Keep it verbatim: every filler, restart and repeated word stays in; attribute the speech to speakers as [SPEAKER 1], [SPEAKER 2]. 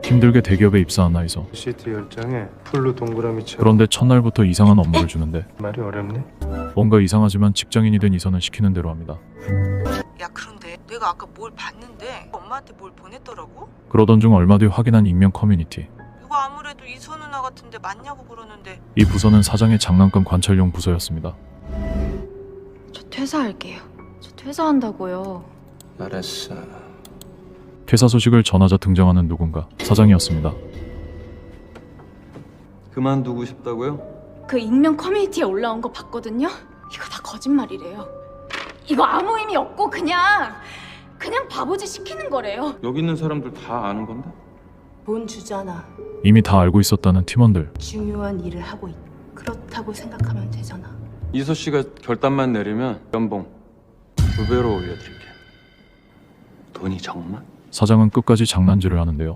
[SPEAKER 1] 힘들게 대기업에 입사한 나이서.
[SPEAKER 2] 시트 열 장에 풀로 동그라미처럼.
[SPEAKER 1] 그런데 첫날부터 이상한 업무를 주는데
[SPEAKER 2] 말이 어렵네.
[SPEAKER 1] 뭔가 이상하지만 직장인이 된 이선은 시키는 대로 합니다.
[SPEAKER 3] 야 그런데 내가 아까 뭘 봤는데 엄마한테 뭘 보냈더라고?
[SPEAKER 1] 그러던 중 얼마 뒤 확인한 익명 커뮤니티.
[SPEAKER 3] 이거 아무래도 이선 누나 같은데 맞냐고 그러는데.
[SPEAKER 1] 이 부서는 사장의 장난감 관찰용 부서였습니다.
[SPEAKER 4] 저 퇴사할게요. 저 퇴사한다고요.
[SPEAKER 2] 알았어.
[SPEAKER 1] 퇴사 소식을 전하자 등장하는 누군가. 사장이었습니다.
[SPEAKER 5] 그만두고 싶다고요?
[SPEAKER 4] 그 익명 커뮤니티에 올라온 거 봤거든요? 이거 다 거짓말이래요. 이거 아무 의미 없고 그냥 그냥 바보짓 시키는 거래요.
[SPEAKER 5] 여기 있는 사람들 다 아는 건데?
[SPEAKER 6] 본 주잖아.
[SPEAKER 1] 이미 다 알고 있었다는 팀원들.
[SPEAKER 6] 중요한 일을 하고 있. 그렇다고 생각하면 되잖아.
[SPEAKER 5] 이서 씨가 결단만 내리면 연봉 두 배로 올려드릴게. 돈이 정말?
[SPEAKER 1] 사장은 끝까지 장난질을 하는데요.